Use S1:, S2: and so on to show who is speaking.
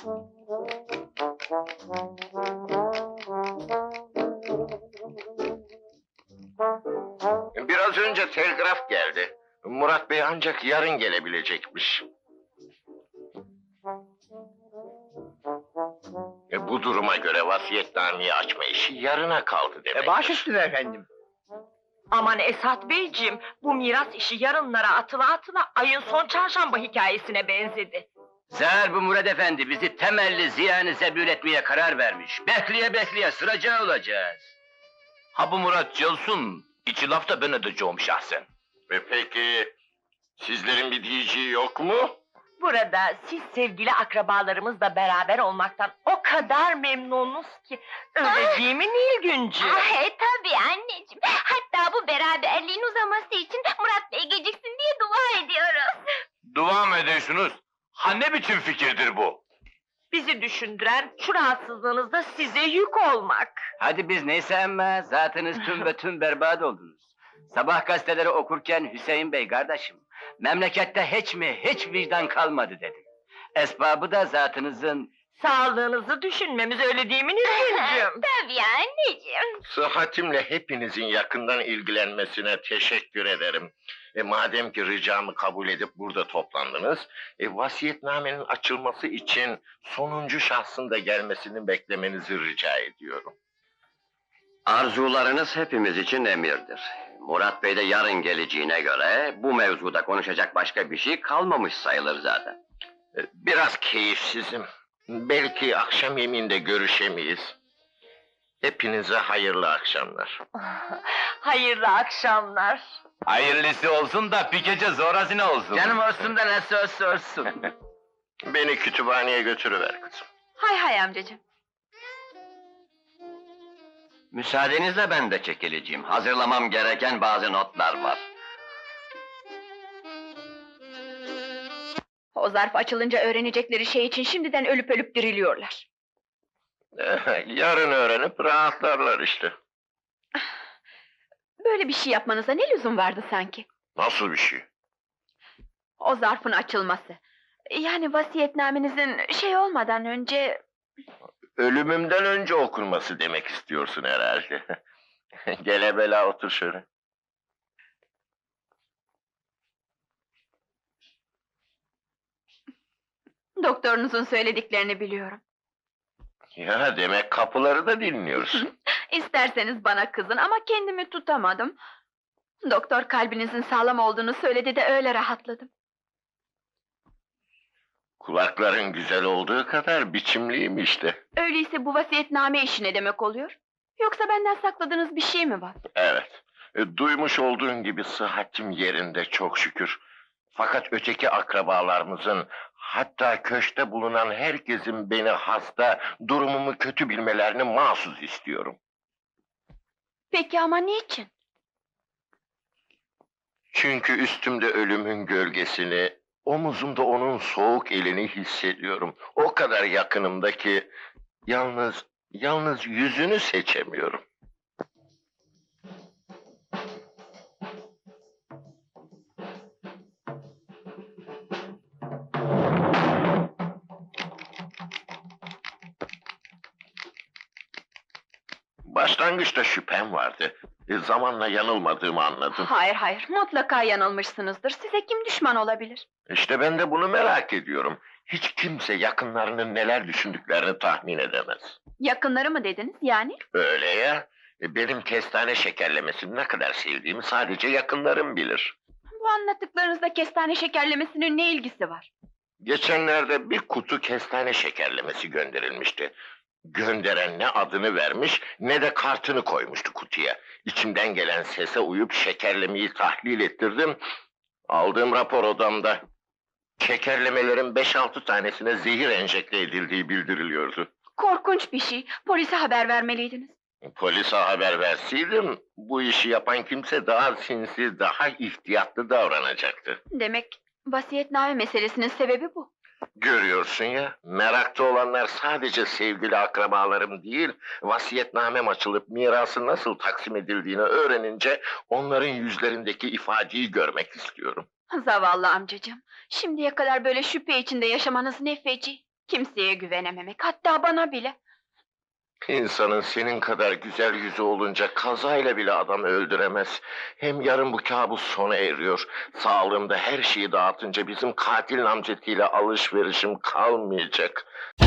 S1: Biraz önce telgraf geldi. Murat Bey ancak yarın gelebilecekmiş. Bu duruma göre vasiyetnameyi açma işi yarına kaldı demek.
S2: Baş üstüne efendim.
S3: Aman Esat Beyciğim, bu miras işi yarınlara atıla atıla ayın son çarşamba hikayesine benzedi.
S2: Zar bu Murat Efendi bizi temelli ziyanı zebül etmeye karar vermiş. Bekleye bekleye sıraca olacağız. Ha bu Murat Cılsın, içi lafta ben edeceğim şahsen.
S1: Ve peki sizlerin bir diyeceği yok mu?
S3: Burada siz sevgili akrabalarımızla beraber olmaktan o kadar memnunuz ki, öyle değil mi Nilgüncüğüm?
S4: Tabii anneciğim. Hatta bu beraberliğin uzaması için Murat Bey geciksin diye dua ediyoruz.
S2: Dua mı ediyorsunuz? Ha ne biçim fikirdir bu?
S3: Bizi düşündüren şu rahatsızlığınızda size yük olmak.
S2: Hadi biz neyse ama zatınız tüm ve tüm berbat oldunuz. Sabah gazeteleri okurken Hüseyin Bey kardeşim, memlekette hiç vicdan kalmadı dedim. Esbabı da zatınızın...
S3: Sağlığınızı düşünmemiz, öyle değil mi Nilgüncüğüm?
S4: Tabii anneciğim.
S1: Sıhhatimle hepinizin yakından ilgilenmesine teşekkür ederim. Madem ki ricamı kabul edip burada toplandınız, vasiyetnamenin açılması için sonuncu şahsın da gelmesini beklemenizi rica ediyorum.
S5: Arzularınız hepimiz için emirdir. Murat Bey de yarın geleceğine göre bu mevzuda konuşacak başka bir şey kalmamış sayılır zaten.
S1: Biraz keyifsizim. Belki akşam yemeğinde görüşemeyiz. Hepinize hayırlı akşamlar.
S3: Hayırlı akşamlar.
S2: Hayırlısı olsun da bir gece zorasına olsun. Canım olsun da nasıl olsun.
S1: Beni kütüphaneye götürüver kızım.
S4: Hay hay amcacığım.
S5: Müsaadenizle ben de çekileceğim. Hazırlamam gereken bazı notlar var.
S4: O zarf açılınca öğrenecekleri şey için şimdiden ölüp ölüp diriliyorlar.
S1: Yarın öğrenip rahatlarlar işte.
S4: Böyle bir şey yapmanıza ne lüzum vardı sanki?
S1: Nasıl bir şey?
S4: O zarfın açılması. Yani vasiyetnamenizin şey olmadan önce...
S1: Ölümümden önce okunması demek istiyorsun herhalde. Gel evvela otur şöyle.
S4: Doktorunuzun söylediklerini biliyorum.
S1: Ya demek kapıları da dinliyorsun.
S4: İsterseniz bana kızın ama kendimi tutamadım. Doktor kalbinizin sağlam olduğunu söyledi de öyle rahatladım.
S1: Kulakların güzel olduğu kadar biçimliyim işte.
S4: Öyleyse bu vasiyetname işi ne demek oluyor? Yoksa benden sakladığınız bir şey mi var?
S1: Evet. Duymuş olduğun gibi sıhhatim yerinde çok şükür. Fakat öteki akrabalarımızın, hatta köşkte bulunan herkesin beni hasta, durumumu kötü bilmelerini mahsus istiyorum.
S4: Peki ama niçin?
S1: Çünkü üstümde ölümün gölgesini, omuzumda onun soğuk elini hissediyorum. O kadar yakınımda ki yalnız yüzünü seçemiyorum. Başlangıçta şüphem vardı. Zamanla yanılmadığımı anladım.
S4: Hayır, mutlaka yanılmışsınızdır. Size kim düşman olabilir?
S1: İşte ben de bunu merak ediyorum. Hiç kimse yakınlarının neler düşündüklerini tahmin edemez.
S4: Yakınları mı dediniz yani?
S1: Öyle ya. Benim kestane şekerlemesini ne kadar sevdiğimi sadece yakınlarım bilir.
S4: Bu anlattıklarınızda kestane şekerlemesinin ne ilgisi var?
S1: Geçenlerde bir kutu kestane şekerlemesi gönderilmişti. Gönderen ne adını vermiş ne de kartını koymuştu kutuya. İçimden gelen sese uyup şekerlemeyi tahlil ettirdim. Aldığım rapor odamda. Şekerlemelerin 5-6 tanesine zehir enjekte edildiği bildiriliyordu.
S4: Korkunç bir şey. Polise haber vermeliydiniz.
S1: Polise haber verseydim, bu işi yapan kimse daha sinsi, daha ihtiyatlı davranacaktı.
S4: Demek vasiyetname meselesinin sebebi bu.
S1: Görüyorsun ya, merakta olanlar sadece sevgili akrabalarım değil, vasiyetnamem açılıp mirasın nasıl taksim edildiğini öğrenince onların yüzlerindeki ifadeyi görmek istiyorum.
S4: Zavallı amcacığım. Şimdiye kadar böyle şüphe içinde yaşamanız ne feci. Kimseye güvenememek, hatta bana bile.
S1: İnsanın senin kadar güzel yüzü olunca kazayla bile adam öldüremez. Hem yarın bu kabus sona eriyor. Sağlığımda her şeyi dağıtınca bizim katil namzetiyle alışverişim kalmayacak.